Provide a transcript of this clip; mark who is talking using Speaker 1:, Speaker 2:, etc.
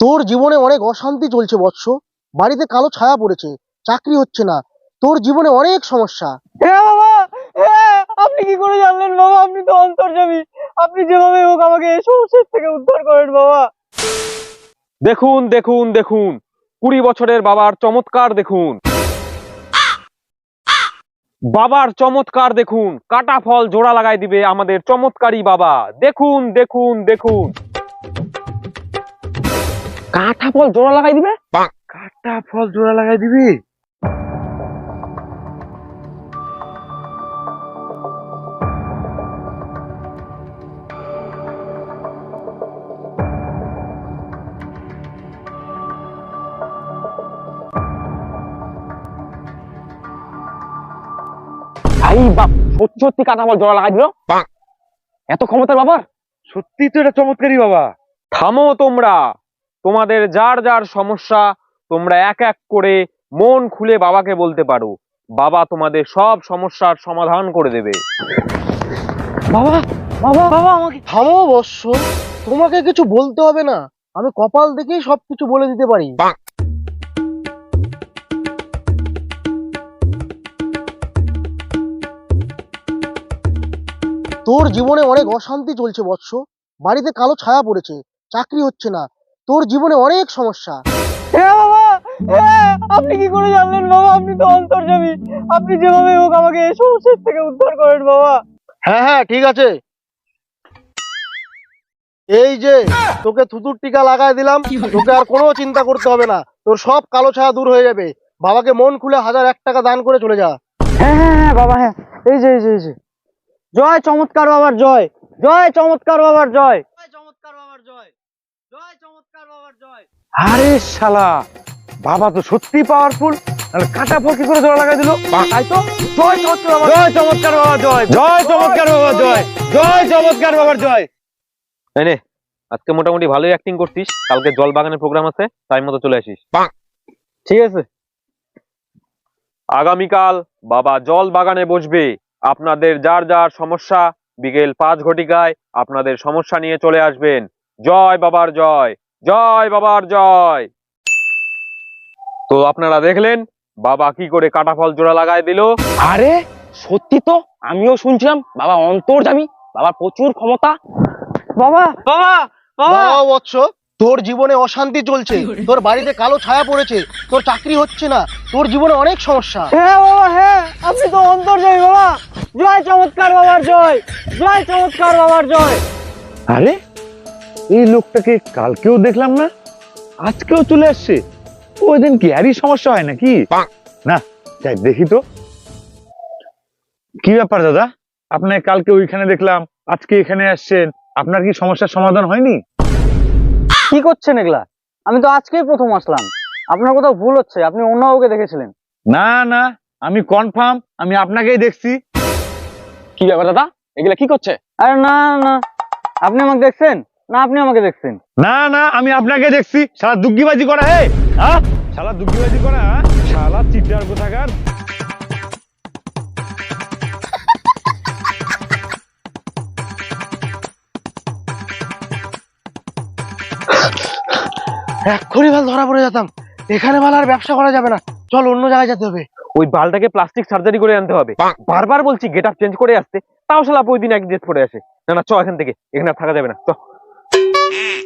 Speaker 1: তোর জীবনে অনেক অশান্তি চলছে বৎস। বাড়িতে কালো ছায়া পড়েছে, চাকরি হচ্ছে না, তোর জীবনে অনেক সমস্যা।
Speaker 2: হ্যাঁ বাবা, হ্যাঁ আপনি কি করে জানলেন বাবা? আপনি তো অন্তর্যামী, আপনি যেভাবে হোক আমাকে এই সমস্যার থেকে উদ্ধার করেন বাবা।
Speaker 3: দেখুন দেখুন দেখুন, 20 বছরের বাবার চমৎকার দেখুন, বাবার চমৎকার দেখুন। কাটা ফল জোড়া লাগাই দিবে আমাদের চমৎকারী বাবা। দেখুন দেখুন দেখুন, কাটা ফল জোড়া লাগাই দিবে, কাটা ফল জোড়া লাগাই দিবে। ভাই বাপ, সত্যি সত্যি কাটা ফল জোড়া লাগাই দিল, এত ক্ষমতার বাবার। সত্যি তো এটা চমৎকারী বাবা। থামো তোমরা, তোমাদের যার যার সমস্যা তোমরা এক এক করে মন খুলে বাবাকে বলতে পারো। বাবা তোমাদের সব সমস্যার সমাধান করে দেবে।
Speaker 2: বাবা বাবা বাবা আমাকে
Speaker 1: থামো বৎস, তোমাকে কিছু বলতে হবে না, আমি কপাল দেখেই সবকিছু বলে দিতে পারি। তোর জীবনে অনেক অশান্তি চলছে বৎস। বাড়িতে কালো ছায়া পড়েছে, চাকরি হচ্ছে না, তোর জীবনে অনেক সমস্যা।
Speaker 2: হ্যাঁ বাবা, হ্যাঁ আপনি কি করে জানলেন বাবা? আপনি তো অন্তর্যামী, আপনি যেভাবে হোক আমাকে এই সমস্যার থেকে উদ্ধার করেন বাবা।
Speaker 1: হ্যাঁ হ্যাঁ ঠিক আছে, এই যে তোকে থুতুর টিকা লাগাই দিলাম, তোকে আর কোনো চিন্তা করতে হবে না, তোর সব কালো ছায়া দূর হয়ে যাবে। বাবাকে মন খুলে 1001 টাকা দান করে চলে যা।
Speaker 2: হ্যাঁ হ্যাঁ হ্যাঁ বাবা, হ্যাঁ এই যে এই যে এই যে, জয় চমৎকার বাবার জয়, জয় চমৎকার বাবার জয়, জয় চমৎকার বাবার জয়, জয় চমৎকার বাবার জয়।
Speaker 3: আরে শালা, বাবা তো সত্যি পাওয়ারফুল। তাহলে কাটা ফল কি করে জোড়া লাগাই দিল? তাই তো, জয় চমৎকার বাবা, জয় চমৎকার বাবা জয়, জয় চমৎকার বাবা জয়, জয় চমৎকার বাবার জয়। এই নে, আজকে মোটামুটি ভালোই অ্যাক্টিং করছিস। কালকে জল বাগানের প্রোগ্রাম আছে, টাইম মতো চলে আসিস।
Speaker 2: ঠিক আছে।
Speaker 3: আগামীকাল বাবা জল বাগানে বসবে। আপনাদের যার যার সমস্যা বিকেল 5 ঘটিকায় আপনাদের সমস্যা নিয়ে চলে আসবেন। জয় বাবার জয়, জয় বাবার জয়। তো আপনারা দেখলেন বাবা কি করে কাটা ফল জোড়া লাগায় দিল।
Speaker 2: আরে সত্যি তো, আমিও শুনছিলাম বাবা অন্তর্যামী, বাবার প্রচুর ক্ষমতা। বাবা বাবা বাবা,
Speaker 1: বাবা বৎস, তোর জীবনে অশান্তি চলছে, তোর বাড়িতে কালো ছায়া পড়েছে, তোর চাকরি হচ্ছে না, তোর জীবনে অনেক সমস্যা।
Speaker 2: হ্যাঁ বাবা, হ্যাঁ আপনি তো অন্তর্যামী বাবা। জয় চমৎকার বাবার জয়, জয় চমৎকার বাবার জয়।
Speaker 4: আরে এই লোকটাকে কালকেও দেখলাম না, আজকেও চলে আসছে। ওই দিন কি আরই সমস্যা হয় নাকি? না যাই দেখি তো কি ব্যাপার দাদা, আপনার কালকে ওইখানে দেখলাম, আজকে এখানে আসছেন, আপনার কি সমস্যার সমাধান হয়নি?
Speaker 2: কি করছেন এগুলা? আমি তো আজকেই প্রথম আসলাম, আপনার কোথাও ভুল হচ্ছে, আপনি অন্য কাউকে দেখেছিলেন।
Speaker 4: না না, আমি কনফার্ম আমি আপনাকেই দেখছি।
Speaker 3: কি ব্যাপার দাদা, এগুলা কি করছে?
Speaker 2: আরে না না, আপনি আমাকে দেখছেন না, আপনি আমাকে দেখছেন।
Speaker 4: না না, আমি আপনাকে দেখছি। শালা দুগ্গিবাজি করা, হে হ্যাঁ, শালা দুগ্গিবাজি করা, শালা চিটার কোথাকার।
Speaker 1: এক্ষুনি ভাল ধরা পড়ে যেতাম, এখানে ভাল আর ব্যবসা করা যাবে না, চল অন্য জায়গায় যেতে হবে।
Speaker 3: ওই বালটাকে প্লাস্টিক সার্জারি করে আনতে হবে। বারবার বলছি গেট আপ চেঞ্জ করে আসতে, তাও শালা ওই দিন এক ড্রেস পরে আসে। না না, চ এখান থেকে, এখানে আর থাকা যাবে না, চ।